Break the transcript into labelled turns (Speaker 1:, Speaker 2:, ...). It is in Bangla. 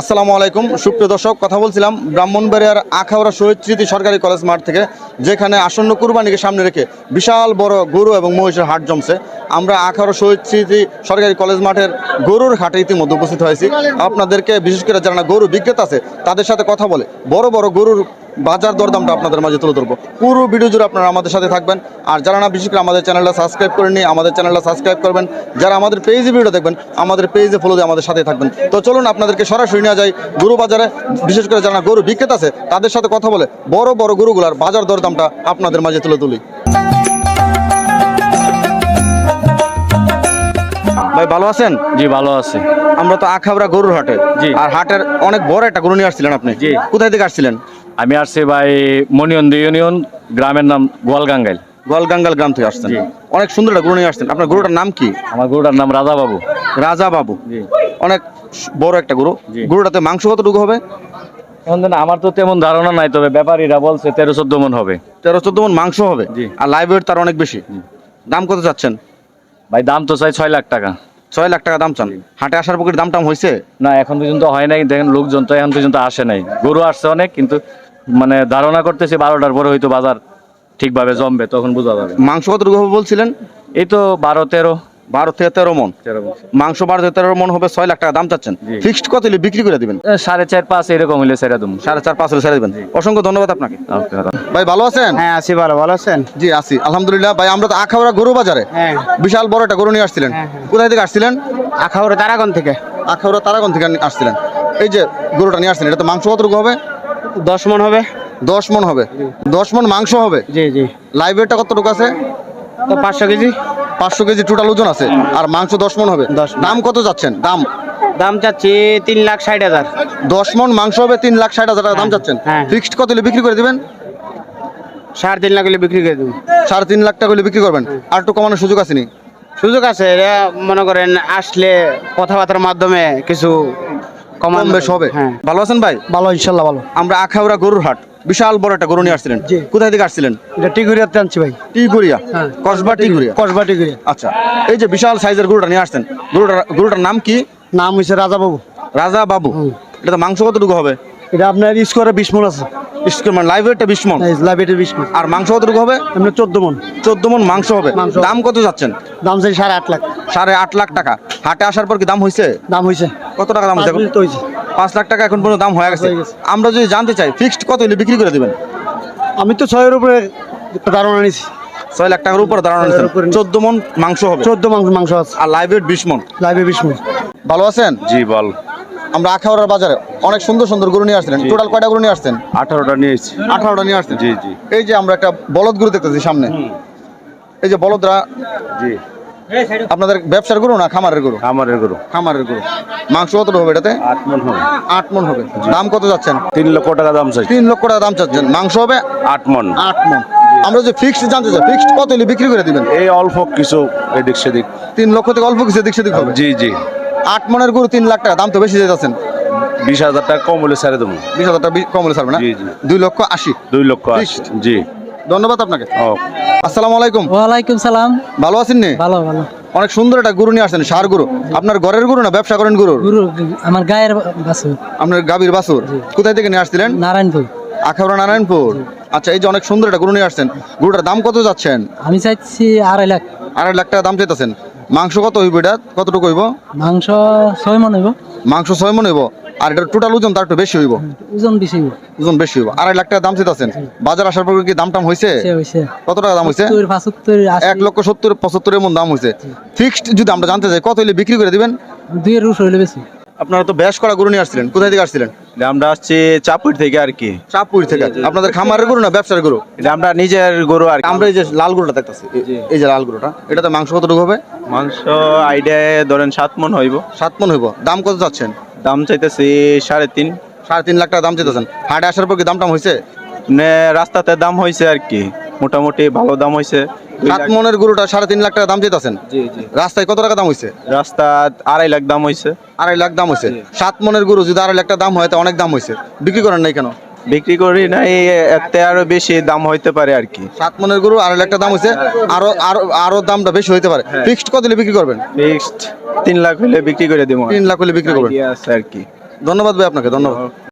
Speaker 1: আসসালামু আলাইকুম সুপ্রিয় দর্শক, কথা বলছিলাম ব্রাহ্মণবাড়িয়ার আখাউড়া শহীদ স্মৃতি সরকারি কলেজ মাঠ থেকে, যেখানে আসন্ন কুরবানিকে সামনে রেখে বিশাল বড় গরু এবং মহিষের হাট জমছে। আমরা আখাউড়া শহীদ স্মৃতি সরকারি কলেজ মাঠের গরুর হাটে ইতিমধ্যে উপস্থিত হয়েছি। আপনাদেরকে বিশেষ করে যারা গরু বিক্রেতা আছে তাদের সাথে কথা বলে বড় বড় গরুর বাজার দরদামটা আপনাদের মাঝে তুলে ধরবো। পুরো ভিডিও জুড়ে আপনারা আমাদের সাথে থাকবেন। আর যারা না বিশেষ করে আমাদের চ্যানেলটা সাবস্ক্রাইব করেননি, আমাদের চ্যানেলটা সাবস্ক্রাইব করবেন। যারা আমাদের পেজে ভিডিও দেখবেন, আমাদের পেজে ফলো দিয়ে আমাদের সাথে থাকবেন। তো চলুন আপনাদেরকে সরাসরি নিয়ে যাই গরু বাজারে। বিশেষ করে যারা গরু বিক্রেতা আছে তাদের সাথে কথা বলে বড় বড় গরুগুলার বাজার দরদামটা আপনাদের মাঝে তুলে তুলি। ভাই ভালো আছেন?
Speaker 2: জি ভালো আছি।
Speaker 1: আমরা তো আখাউড়া গরুর হাটে,
Speaker 2: জি।
Speaker 1: আর হাটের অনেক বড় একটা গরু নিয়ে আসছিলেন আপনি।
Speaker 2: জি।
Speaker 1: কোথায় থেকে আসছিলেন?
Speaker 2: আমি আসছি ভাই মনিয়ন্দ ইউনিয়ন, গ্রামের নাম গোয়ালগাঙ্গাইল।
Speaker 1: গোয়ালগাঙ্গাল গ্রাম থেকে আসছেন।
Speaker 2: জি।
Speaker 1: অনেক সুন্দর একটা গরু নিয়ে আসছেন। আপনার গরুটার নাম কি?
Speaker 2: আমার গরুটার নাম রাজা বাবু।
Speaker 1: রাজা বাবু।
Speaker 2: জি।
Speaker 1: অনেক বড় একটা গরু।
Speaker 2: জি।
Speaker 1: গরুটাতে মাংস কতটুকু হবে?
Speaker 2: এখন দেন আমার তো তেমন ধারণা নাই, তবে ব্যাপারীরা বলছে 13-14 মন হবে।
Speaker 1: 13-14 মন মাংস হবে।
Speaker 2: জি।
Speaker 1: আর লাইভ ওয়েট তার অনেক বেশি। দাম কত চাচ্ছেন?
Speaker 2: ভাই দাম তো চাই 6 লাখ টাকা।
Speaker 1: 6 লাখ টাকা দাম চান। হাটে আসার পর দাম টাম হয়েছে?
Speaker 2: না এখন পর্যন্ত হয় নাই, দেখেন লোকজন তো এখন পর্যন্ত আসে নাই। গরু আসছে অনেক, কিন্তু মানে ধারণা করতেছে 12টার পরে হয়তো বাজার ঠিকভাবে জমবে, তখন বোঝা যাবে।
Speaker 1: মাংস কতটুকু হবে বলছিলেন?
Speaker 2: এই তো 12-13
Speaker 1: থেকে 13 মন মাংস। 12 থেকে 13 মন হবে। 6 লাখ টাকা দাম চাচ্ছেন।
Speaker 2: জি।
Speaker 1: ফিক্সড কত হলে বিক্রি করে দিবেন?
Speaker 2: 4.5-5 এরকম হইলে ছেড়ে দেবো।
Speaker 1: 4.5-5 হলে ছেড়ে দিবেন। অসংখ্য ধন্যবাদ আপনাকে।
Speaker 2: ওকে।
Speaker 1: ভাই ভালো আছেন?
Speaker 3: হ্যাঁ আছি, ভালো আছেন?
Speaker 1: জি আছি আলহামদুলিল্লাহ। ভাই আমরা তো আখাউড়া গরু বাজারে
Speaker 3: হ্যাঁ।
Speaker 1: বিশাল বড় একটা গরু নিয়ে আসছিলেন। কোথায় থেকে আসছিলেন?
Speaker 3: আখাউড়া তারাগণ থেকে।
Speaker 1: আখাউড়া তারাগণ থেকে আসছিলেন। এই যে গরুটা নিয়ে আসছিলেন, এটা মাংস কতটুকু হবে?
Speaker 3: 10 মন হবে।
Speaker 1: 10 মন হবে। 10 মন মাংস হবে।
Speaker 3: জি জি।
Speaker 1: লাইভ ওয়েটটা কতটুকু আছে?
Speaker 3: তো 500 কেজি।
Speaker 1: 500 কেজি টোটাল ওজন আছে। আর মাংস 10 মন হবে।
Speaker 3: 10 মণ।
Speaker 1: দাম কত যাচ্ছেন?
Speaker 3: দাম চাচ্ছি 3,60,000।
Speaker 1: 10 মন মাংস হবে, 3,60,000 টাকা দাম যাচ্ছেন।
Speaker 3: হ্যাঁ।
Speaker 1: ফিক্সড কত হলে বিক্রি করে দিবেন?
Speaker 3: 3.5 লাখ হলে বিক্রি করে দেবো।
Speaker 1: 3.5 লাখ টাকা হলে বিক্রি করবেন। আর একটু কমানোর সুযোগ আছে নি?
Speaker 3: সুযোগ আছে, এরা মনে করেন আসলে কথাবার্তার মাধ্যমে কিছু
Speaker 1: কম বেশ হবে।
Speaker 3: হ্যাঁ।
Speaker 1: ভালো আছেন ভাই?
Speaker 3: ভালো, ইনশাল্লাহ ভালো।
Speaker 1: আমরা আখাউড়া গরুর হাট বিশাল বড় একটা গরু নিয়ে আসছিলেন।
Speaker 3: জি।
Speaker 1: কোথায় থেকে আসছিলেন?
Speaker 3: এটা টিগুরিয়াতে আনছি ভাই।
Speaker 1: টিগুরিয়া।
Speaker 3: হ্যাঁ।
Speaker 1: কসবা টিগুরিয়া।
Speaker 3: কসবা টিগুরিয়া।
Speaker 1: আচ্ছা, এই যে বিশাল সাইজের গরুটা নিয়ে আসছেন, গরুটার নাম কি?
Speaker 3: নাম হয়েছে রাজা বাবু।
Speaker 1: রাজা বাবু। এটা তো মাংস কতটুকু হবে?
Speaker 3: এটা আপনার স্কোয়ারে 20 মন আছে।
Speaker 1: মানে লাইভ ওয়েটটা 20 মন।
Speaker 3: লাইব্রেরি 20 মন।
Speaker 1: আর মাংস কতটুকু হবে?
Speaker 3: আপনার 14 মন।
Speaker 1: 14 মন মাংস হবে।
Speaker 3: মাংস।
Speaker 1: দাম কত যাচ্ছেন?
Speaker 3: দাম চাই 8.5 লাখ।
Speaker 1: 8.5 লাখ টাকা। হাটে আসার পর কি দাম হয়েছে?
Speaker 3: দাম হয়েছে।
Speaker 1: কত টাকা দাম হয়েছে? 5 লাখ টাকা এখন পর্যন্ত দাম হয়ে গেছে। আমরা যদি জানতে চাই ফিক্সড কত হলে বিক্রি করে দিবেন?
Speaker 3: আমি তো 6 এর উপরে ধারণা নিছি।
Speaker 1: 6 লাখ টাকার উপরে দাঁড়ানো নিয়েছেন। 14 মন মাংস হবে।
Speaker 3: 14 মাংস আছে।
Speaker 1: আর লাইভ ওয়েট 20 মন।
Speaker 3: লাইভে 20 মন।
Speaker 1: ভালো আছেন?
Speaker 2: জি বল।
Speaker 1: আমরা আখাউড়ার বাজারে অনেক সুন্দর সুন্দর গরু নিয়ে আসছিলেন। টোটাল কয়টা গরু নিয়ে আসছেন?
Speaker 2: 18টা নিয়েছি।
Speaker 1: 18টা নিয়ে আসছেন।
Speaker 2: জি জি।
Speaker 1: এই যে আমরা একটা বলদ গরু দেখতেছি সামনে। এই যে বলদরা
Speaker 2: জি।
Speaker 1: আপনাদের ব্যবসার গরু না খামারের গরু?
Speaker 2: আমারের গরু।
Speaker 1: খামারের গরু। মাংস কত হবে এটাতে?
Speaker 2: 8 মন হবে।
Speaker 1: 8 মন হবে। দাম কত যাচ্ছেন?
Speaker 2: 3 লক্ষ টাকা দাম চাই।
Speaker 1: 3 লক্ষ টাকা দাম চাচ্ছেন। মাংস হবে
Speaker 2: 8 মন।
Speaker 1: 8 মন। আমরা যে ফিক্সড জানতে চাই, ফিক্সড কত হলে বিক্রি করে দিবেন?
Speaker 2: এই অল্প কিছু এদিক সেদিক।
Speaker 1: 3 লক্ষ থেকে অল্প কিছু দিক সেদিক হবে।
Speaker 2: জি জি।
Speaker 1: 8 মনের গরু 3 লাখ টাকা, দাম তো বেশি যাচ্ছেন।
Speaker 2: 20,000 টাকা কম হলে ছেড়ে দেবো।
Speaker 1: 20,000 টাকা কম হলে ছাড়বে না?
Speaker 2: জি, জি।
Speaker 1: 2,80,000।
Speaker 2: 2 লক্ষ 80।
Speaker 1: Fixed।
Speaker 2: জি।
Speaker 1: ধন্যবাদ আপনাকে।
Speaker 2: ও
Speaker 1: আসসালামু আলাইকুম।
Speaker 4: ওয়ালাইকুম সালাম।
Speaker 1: ভালো আছেন নি?
Speaker 4: ভালো ভালো।
Speaker 1: অনেক সুন্দর একটা গরু নিয়ে আসছেন, ষাঁড় গরু। আপনার ঘরের গরু না ব্যবসা করেন গরুর?
Speaker 4: গুরু আমার গায়ের বাসু
Speaker 1: আপনার গাভীর বাছুর। কোথায় থেকে নিয়ে আসছিলেন?
Speaker 4: নারায়ণপুর।
Speaker 1: আখাউড়া নারায়ণপুর। আচ্ছা, এই যে অনেক সুন্দর একটা গরু নিয়ে আসছেন, গরুটার দাম কত যাচ্ছেন?
Speaker 4: আমি চাইছি 2.5 লাখ।
Speaker 1: 2.5 লাখ টাকা দাম চাইতেছেন। মাংস কত হইব এটা? কতটুকু হইব?
Speaker 4: মাংস 6 মন হইব।
Speaker 1: মাংস 6 মন হইব। আর এটা টোটাল ওজন তার একটু বেশি হইব।
Speaker 4: ওজন বেশি হইব।
Speaker 1: ওজন বেশি হইব। 2.5 লাখ টাকা দাম চাইতেছেন। বাজার আসার পর কি দাম টাম হয়েছে?
Speaker 4: সে হইছে
Speaker 1: কত টাকা দাম হয়েছে?
Speaker 4: 70 75 80।
Speaker 1: 1,70,75 এর মন দাম হয়েছে। ফিক্সড যদি আমরা জানতে চাই কত হইলে বিক্রি করে দিবেন?
Speaker 4: 2 এর রুশ হইলে বেশি।
Speaker 1: আপনারা তো বেশ করা গরু নিয়ে আসছিলেন। কোথায় থেকে আসছিলেন?
Speaker 5: আমরা আসছি চাপুর থেকে আর কি।
Speaker 1: চাঁদপুর থেকে। আপনাদের খামারের গরু না ব্যবসার গরু?
Speaker 5: এটা আমরা নিজের গরু আর কি।
Speaker 1: আমরা এই যে লাল গরুটা দেখতেছি, এই যে লাল গরুটা, এটাতে মাংস কতটুকু হবে?
Speaker 5: মাংস আইডিয়া ধরেন 7 মন হইব।
Speaker 1: 7 মন হইব। দাম কত যাচ্ছেন?
Speaker 5: দাম চাইতেছি 3.5।
Speaker 1: 3.5 লাখ টাকা দাম চাইতেছেন। হাটে আসার পর কি দাম টাম হয়েছে?
Speaker 5: রাস্তাতে দাম হয়েছে আর কি, মোটামুটি ভালো দাম হয়েছে।
Speaker 1: 7 মনের গরুটা 3.5 লাখ টাকা দাম চাইতেছেন।
Speaker 5: জি জি।
Speaker 1: রাস্তায় কত টাকা দাম হয়েছে?
Speaker 5: রাস্তা 2.5 লাখ দাম হয়েছে।
Speaker 1: 2.5 লাখ দাম হয়েছে। 7 মনের গরু যদি 2.5 লাখ টাকা দাম হয় তো অনেক দাম হয়েছে। বিক্রি করেন নাই কেন?
Speaker 5: বিক্রি করি না, এতে আরো বেশি দাম হইতে পারে আর কি।
Speaker 1: 7 মনের গরু 2.5 লাখ টাকা দাম হয়েছে। আরো আরো আরো দামটা বেশি হইতে পারে। ফিক্সড কত দিলে বিক্রি করবেন?
Speaker 5: ফিক্সড 3 লাখ হলে বিক্রি করে দিব।
Speaker 1: 3 লাখ হলে বিক্রি করবেন।
Speaker 5: আইডিয়া আছে আর কি।
Speaker 1: ধন্যবাদ ভাই আপনাকে, ধন্যবাদ।